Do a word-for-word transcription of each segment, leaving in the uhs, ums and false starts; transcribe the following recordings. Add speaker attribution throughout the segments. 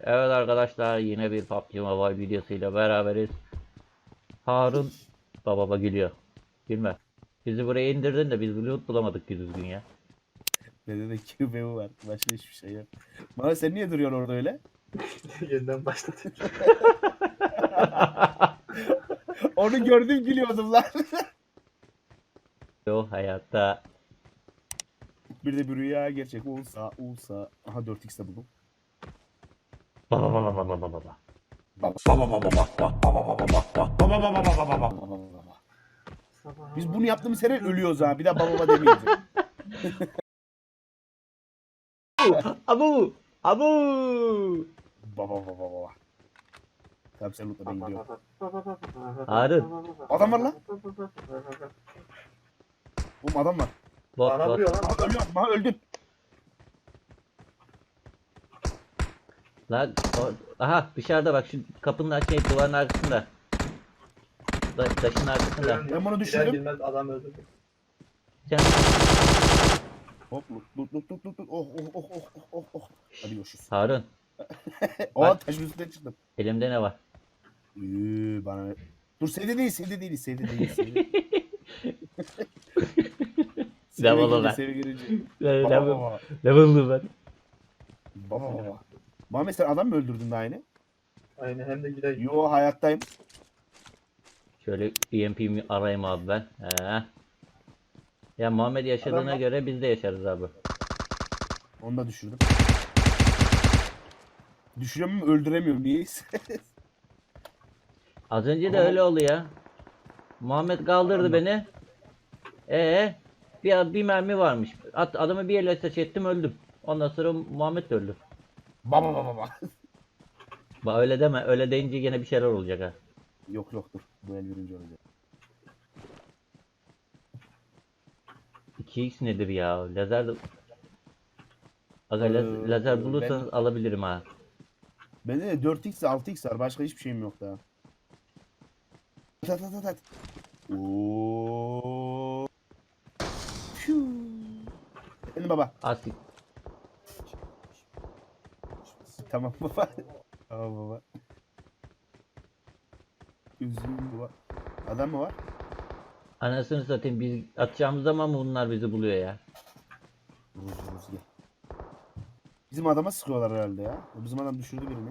Speaker 1: Evet arkadaşlar, yine bir P U B G Mobile videosuyla beraberiz. Harun baba baba gülüyor. Gülme. Bizi buraya indirdin de biz loot bulamadık düzgün ya.
Speaker 2: Bende de Q B U var. Başka hiçbir şey yok. Bana sen niye duruyorsun orada öyle?
Speaker 3: Yeniden başladı.
Speaker 2: Onu gördüm gülüyordum lan.
Speaker 1: O hayatta.
Speaker 2: Bir de bir rüya gerçek olsa olsa. Aha dört x de buldum.
Speaker 1: Baba baba baba baba baba.
Speaker 2: Biz bunu yaptığımız her ölüyoruz ha. Bir daha baba baba demeyiz.
Speaker 1: Abu! Abu!
Speaker 2: Baba baba baba. Tamam sen unutma ben gidiyorum.
Speaker 1: Harun.
Speaker 2: Adam var lan. Oğlum adam var.
Speaker 1: Bot
Speaker 3: Bana
Speaker 1: bot.
Speaker 3: vuruyor lan.
Speaker 2: Aha ölüyorum. Aha öldüm.
Speaker 1: Lan o- aha dışarıda bak, şu kapının şey duvarın arkasında. Da, taşın arkasında.
Speaker 2: Ben bunu
Speaker 3: Girer
Speaker 2: düşürdüm.
Speaker 3: girmez adam öldürdü.
Speaker 1: Sen
Speaker 2: Hop lut lut lut lut lut. Oh oh oh oh oh oh oh. Hadi görüşürüz.
Speaker 1: Harun,
Speaker 2: Aa taşın üstünden çıktım.
Speaker 1: elimde ne var?
Speaker 2: Üü, bana Dur sevde değil, sevde değil, sevde değil. Sevde. Sevde
Speaker 1: Level'ı
Speaker 2: girince,
Speaker 1: ver.
Speaker 2: sevde girince. Baba
Speaker 1: Level,
Speaker 2: baba.
Speaker 1: level'lı ben.
Speaker 2: Baba baba. Muhammed sen adam mı öldürdün daha yine?
Speaker 3: Aynen hem de gider.
Speaker 2: Yo hayattayım.
Speaker 1: Şöyle E M P'mi arayayım abi ben. He. Ya Muhammed yaşadığına
Speaker 3: Adam-
Speaker 1: göre biz de yaşarız abi.
Speaker 2: Onu da düşürdüm. Düşürüyorum ama öldüremiyorum niyeyse.
Speaker 1: Az önce de
Speaker 2: Ama-
Speaker 1: öyle oldu ya. Muhammed kaldırdı
Speaker 2: Anladım.
Speaker 1: beni. Ee, bir, bir mermi varmış. At, adamı bir elle ateş ettim, öldüm. Ondan sonra Muhammed de öldü.
Speaker 2: Baba baba baba.
Speaker 1: Ba öyle deme. Öyle deyince yine bir şeyler olacak ha.
Speaker 2: Yok yok dur. Bu el birinci olacak.
Speaker 1: iki x nedir ya? Lazer de... Aga laz-
Speaker 2: Ee,
Speaker 1: lazer bulursanız
Speaker 2: ben-
Speaker 1: alabilirim ha.
Speaker 2: Bende de dört x altı x var. Başka hiçbir şeyim yok daha. Tat tat tat tat. Oo. Piu. Benim baba.
Speaker 1: Asik.
Speaker 2: Tamam baba. Tamam baba. Üzgün baba. Adam mı var?
Speaker 1: Anasını satayım, biz atacağımız zaman mı bunlar bizi buluyor ya?
Speaker 2: Vuruz vuruz gel. Bizim adama sıkıyorlar herhalde ya. Bizim adam düşürdü birini.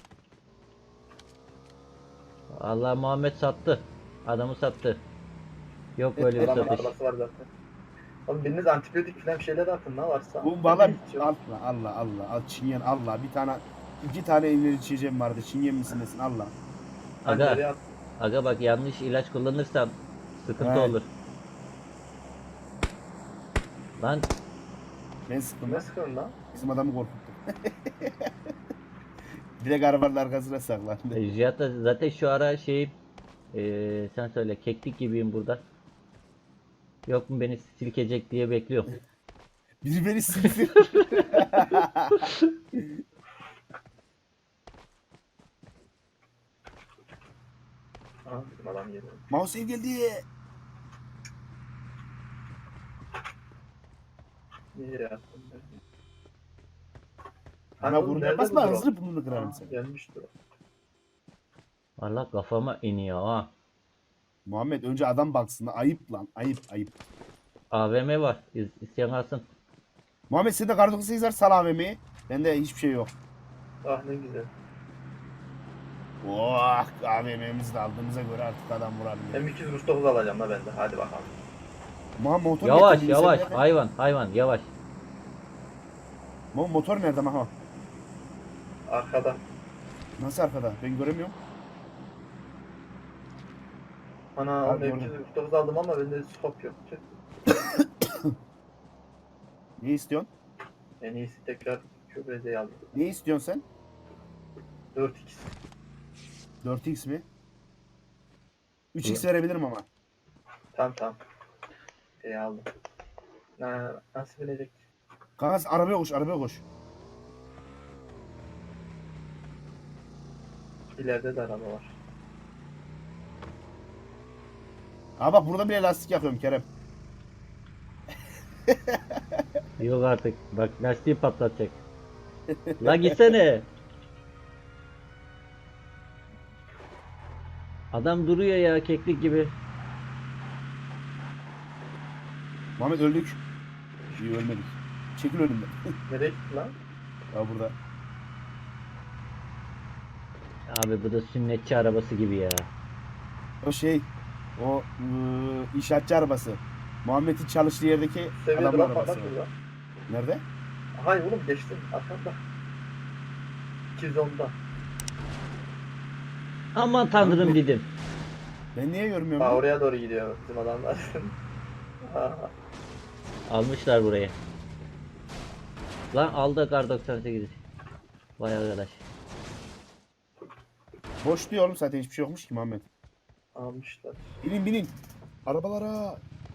Speaker 1: Allah, Muhammed sattı. Adamı sattı. Yok böyle bir
Speaker 3: Adamın
Speaker 1: satış.
Speaker 3: arabası var zaten. Oğlum biriniz antibiyotik falan bir şeyler atın ne varsa.
Speaker 2: Bu valla
Speaker 3: Hiç yok.
Speaker 2: Allah Allah Allah. Al çingen Allah. Bir tane iki tane evleri içeceğim vardı. Çingen misin nesin Allah.
Speaker 3: Pencereye
Speaker 1: Aga,
Speaker 3: at.
Speaker 1: aga bak, yanlış ilaç kullanırsan sıkıntı
Speaker 2: He.
Speaker 1: olur. Lan
Speaker 2: Ben sıktım
Speaker 3: Ne
Speaker 2: lan.
Speaker 3: sıkıyorsun lan?
Speaker 2: Bizim adamı korkuttum. Direkt arabanın arkasına saklandı.
Speaker 1: e, Cihat da zaten şu ara şey, e, sen söyle, keklik gibiyim burada. Yok mu beni silkecek diye bekliyorum.
Speaker 2: Biri beni sıktı.
Speaker 3: Aha bizim adam geliyor.
Speaker 2: Mouse ev geldi.
Speaker 3: Niye yere attın?
Speaker 2: Ana
Speaker 3: oğlum,
Speaker 2: vurmaya
Speaker 3: nerede
Speaker 2: basma
Speaker 3: bu drone?
Speaker 2: hızlı burnunu kırarım
Speaker 3: Aa,
Speaker 2: seni.
Speaker 3: Gelmiştir o.
Speaker 1: Valla kafama iniyor ha.
Speaker 2: Muhammed önce adam baksın lan. Ayıp lan. Ayıp ayıp.
Speaker 1: A V M var. İz, isteyen alsın.
Speaker 2: Muhammed sende kar doksan sekiz var sal A V M'yi. Bende hiçbir şey yok.
Speaker 3: Ah ne güzel.
Speaker 2: Oh A V M'mizi de aldığımıza göre artık adam vuralım.
Speaker 3: M iki yüz dokuz alacağım da ben de. Hadi bakalım.
Speaker 2: Muhammed motor
Speaker 1: Yavaş
Speaker 2: getirdin,
Speaker 1: yavaş.
Speaker 2: sen nerede?
Speaker 1: Hayvan hayvan yavaş.
Speaker 2: Muhammed motor nerede Maha?
Speaker 3: Arkada.
Speaker 2: Nasıl arkada? Ben göremiyorum.
Speaker 3: Ana
Speaker 2: Abi,
Speaker 3: M iki yüz dokuz aldım ama bende scope yok. Tüh.
Speaker 2: Ne istiyorsun?
Speaker 3: En iyisi tekrar Q B Z'yi aldım.
Speaker 2: Ne istiyorsun sen?
Speaker 3: dört x.
Speaker 2: dört x mi? üç x verebilirim ama.
Speaker 3: Tamam tamam. Şey aldım. Na, nasıl bilecek?
Speaker 2: Kanka sen arabaya koş, arabaya koş.
Speaker 3: İleride de araba var.
Speaker 2: Aa bak burada bile lastik yakıyorum Kerem.
Speaker 1: Yok artık. Bak lastiği patlatacak. La gitsene. Adam duruyor ya keklik gibi.
Speaker 2: Muhammed öldük. İyi ölmedik. Çekil önümden.
Speaker 3: Nereye gittin lan?
Speaker 2: Ya burada.
Speaker 1: Abi bu da sünnetçi arabası gibi ya.
Speaker 2: O şey. O ıı, inşaatçı arabası. Muhammed'in çalıştığı yerdeki
Speaker 3: Seviye
Speaker 2: adamın
Speaker 3: drop var
Speaker 2: arabası.
Speaker 3: lan şurada.
Speaker 2: Nerede?
Speaker 3: Hayır oğlum geçtim. Arkanda. iki yüz onda.
Speaker 1: Aman tanrım
Speaker 2: Abi-
Speaker 1: dedim.
Speaker 2: Ben niye görmüyorum?
Speaker 3: Aa
Speaker 2: lan?
Speaker 3: oraya doğru gidiyor bizim adamlar. Aa,
Speaker 1: Almışlar burayı. Lan aldı kar doksan sekizi. Vay arkadaş.
Speaker 2: Boş diyor oğlum, zaten hiçbir şey yokmuş ki Muhammed.
Speaker 3: almışlar.
Speaker 2: Binin binin. Arabalara.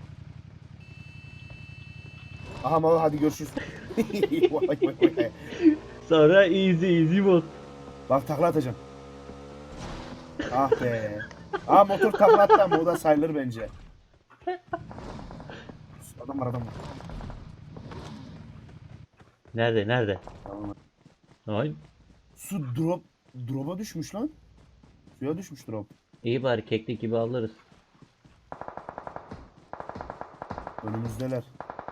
Speaker 2: Aha Mava hadi görüşürüz. Vay, vay, vay.
Speaker 1: Sonra easy easy mod.
Speaker 2: Bak takla atacağım. Ah be. Aa motor takla attı ama o da sayılır bence. Adam var adam var.
Speaker 1: Nerede nerede?
Speaker 2: Tamam.
Speaker 1: Ay.
Speaker 2: Su drop drop'a düşmüş lan. Suya düşmüş drop.
Speaker 1: İyi bari keklik gibi alırız.
Speaker 2: Önümüzdeler.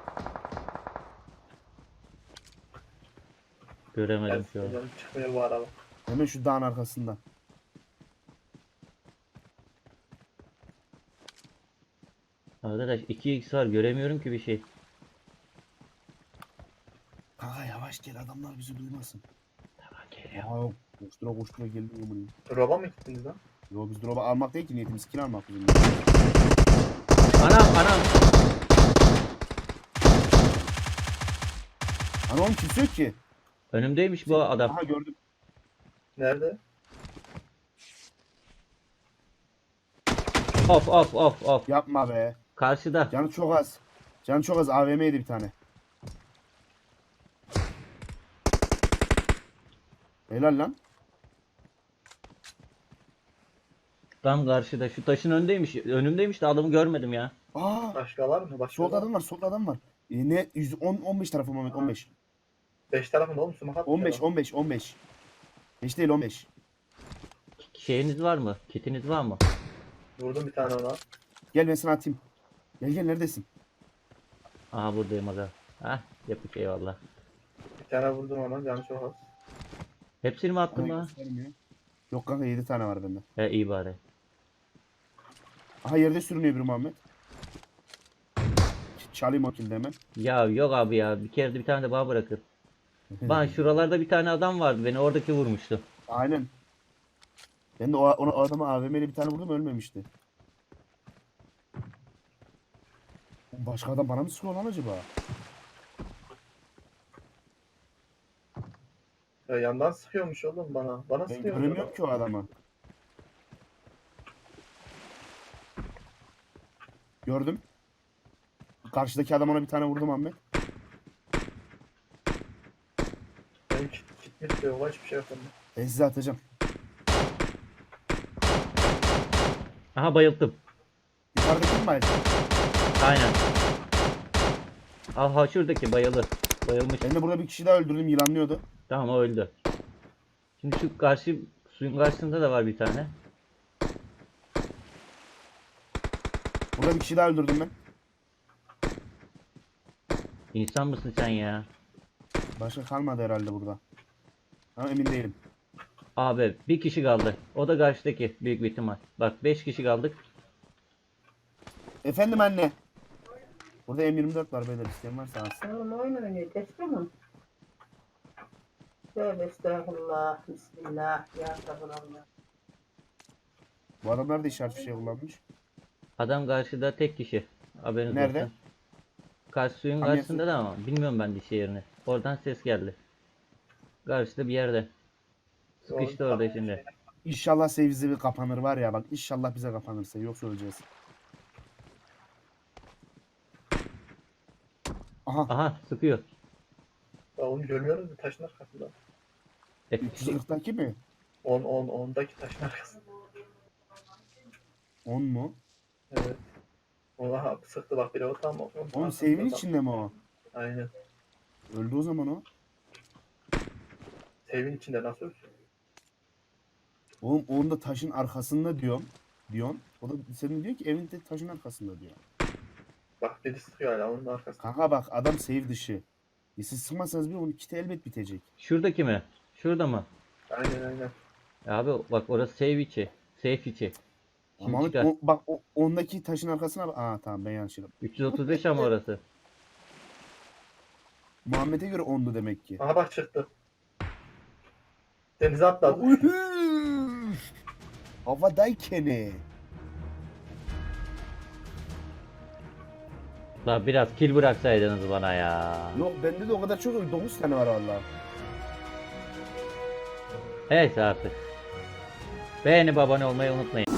Speaker 1: Göremedim şu an.
Speaker 3: Canım çıkmıyor bu araba.
Speaker 2: Hemen şu dağın arkasında.
Speaker 1: Arkadaş iki x var göremiyorum ki bir şey.
Speaker 2: Kanka yavaş gel, adamlar bizi duymasın.
Speaker 1: Tamam geliyor.
Speaker 2: Aa, koştura koştura geldim ya buraya.
Speaker 3: Drop'a mı gittiniz lan?
Speaker 2: Yo biz drop'a almak değil ki, niyetimiz kill almak bizim.
Speaker 1: Anam anam.
Speaker 2: Ana oğlum kimse yok ki.
Speaker 1: Önümdeymiş bu adam.
Speaker 2: Aha gördüm.
Speaker 3: Nerede?
Speaker 1: Of of of of.
Speaker 2: Yapma be.
Speaker 1: Karşıda.
Speaker 2: Canı çok az. Canı çok az, A V M'ydi bir tane. Helal lan.
Speaker 1: Tam karşıda. Şu taşın önündeymiş. Önümdeymiş de adamı görmedim ya.
Speaker 2: Aa,
Speaker 3: Başka var mı? Başka
Speaker 2: solda
Speaker 3: var mı?
Speaker 2: adam var, solda adam var. E, ne yüz on on beş tarafı Mehmet, on beş.
Speaker 3: beş tarafında oğlum sumak atmış
Speaker 2: on beş
Speaker 3: adam.
Speaker 2: on beş on beş. Hiç değil on beş.
Speaker 1: Şeyiniz var mı? Kitiniz var mı?
Speaker 3: Vurdum bir tane ona.
Speaker 2: Gel ben sana atayım. Gel gel, neredesin?
Speaker 1: Aha buradayım aga. Hah yapık eyvallah.
Speaker 3: Bir tane vurdum ona. Canı çok az.
Speaker 1: Hepsini mi attın
Speaker 2: Ay,
Speaker 1: lan?
Speaker 2: göstermiyor. Yok kanka, yedi tane var bende.
Speaker 1: He iyi bari.
Speaker 2: Aha yerde sürünüyor bir Muhammed. Ç- Çalayım o kilidi hemen.
Speaker 1: Ya yok abi ya. Bir kere de bir tane de bana bırakın. Bana şuralarda bir tane adam vardı. Beni oradaki vurmuştu.
Speaker 2: Aynen. Ben de o, ona, o adama A V M'yle bir tane vurdum, ölmemişti. Başka adam bana mı sıkıyor lan acaba?
Speaker 3: Ya yandan sıkıyormuş oğlum bana. Bana
Speaker 2: Ben
Speaker 3: sıkıyormuş
Speaker 2: göremiyorum
Speaker 3: adam.
Speaker 2: ki o adamı. Gördüm. Karşıdaki adam, ona bir tane vurdum Ahmet.
Speaker 3: Benim kit, kitmiş de yok. Hiçbir şey yok bende.
Speaker 2: Ben size atacağım.
Speaker 1: Aha bayıldım.
Speaker 2: Yukarıdaki mi bayıldı?
Speaker 1: Aynen. Aha şuradaki bayılı. Bayılmış.
Speaker 2: Ben de burada bir kişi daha öldürdüm, yılanlıyordu.
Speaker 1: Tamam o öldü. Şimdi şu karşı suyun karşısında da var bir tane.
Speaker 2: Burada bir kişi daha öldürdüm ben.
Speaker 1: İnsan mısın sen ya?
Speaker 2: Başka kalmadı herhalde burada. Ama emin değilim.
Speaker 1: Abi bir kişi kaldı. O da karşıdaki büyük bir ihtimal. Bak beş kişi kaldık.
Speaker 2: Efendim anne. Burada M yirmi dört var beyler, isteyen varsa alsın.
Speaker 4: Oğlum oyun oynuyor. Geçti mi? Tövbe estağfurullah. Bismillah. Ya sabırallah.
Speaker 2: Bu adamlar da işaret bir şey kullanmış.
Speaker 1: Adam karşıda tek kişi. Haberiniz
Speaker 2: Nerede?
Speaker 1: olsun. Karşı suyun
Speaker 2: Hangisi?
Speaker 1: karşısında da ama bilmiyorum ben dişi yerini. Oradan ses geldi. Karşıda bir yerde. Sıkıştı
Speaker 3: Doğru.
Speaker 1: orada şimdi.
Speaker 2: İnşallah sevizli bir kapanır var ya, bak inşallah bize kapanırsa, yoksa öleceğiz. Aha
Speaker 1: Aha sıkıyor.
Speaker 3: Ya onu görmüyoruz mu taşın arkasında?
Speaker 1: E,
Speaker 2: üç yüz kırktaki mi?
Speaker 3: on on ondaki taşın arkasında.
Speaker 2: on mu?
Speaker 3: Evet. Ona sıktı bak biri o tam o.
Speaker 2: Oğlum save'in içinde mi o?
Speaker 3: Aynen.
Speaker 2: Öldü o zaman o.
Speaker 3: Save'in içinde nasıl ölsün?
Speaker 2: Oğlum onun da taşın arkasında diyorum. diyorsun. O da senin diyor ki evin de taşın arkasında diyor.
Speaker 3: Bak biri sıkıyor hala onun arkasında.
Speaker 2: Kanka bak adam save dışı. E siz sıkmazsanız bir onun kiti elbet bitecek.
Speaker 1: Şuradaki mi? Şurada mı?
Speaker 3: Aynen aynen.
Speaker 1: Ya abi bak orası save içi. Safe içi. Şimdi
Speaker 2: Ama
Speaker 1: çıkar.
Speaker 2: o, bak o, ondaki taşın arkasına bak. Aa tamam ben yanlış yaptım.
Speaker 1: üç yüz otuz beş ama orası.
Speaker 2: Muhammed'e göre ondu demek ki.
Speaker 3: Aha bak çıktı. Denize atladı.
Speaker 2: Uhuu! Havadayken.
Speaker 1: La biraz kill bıraksaydınız bana ya.
Speaker 2: Yok bende de o kadar çok yok. dokuz tane var valla.
Speaker 1: Neyse artık. Beğenip abone olmayı unutmayın.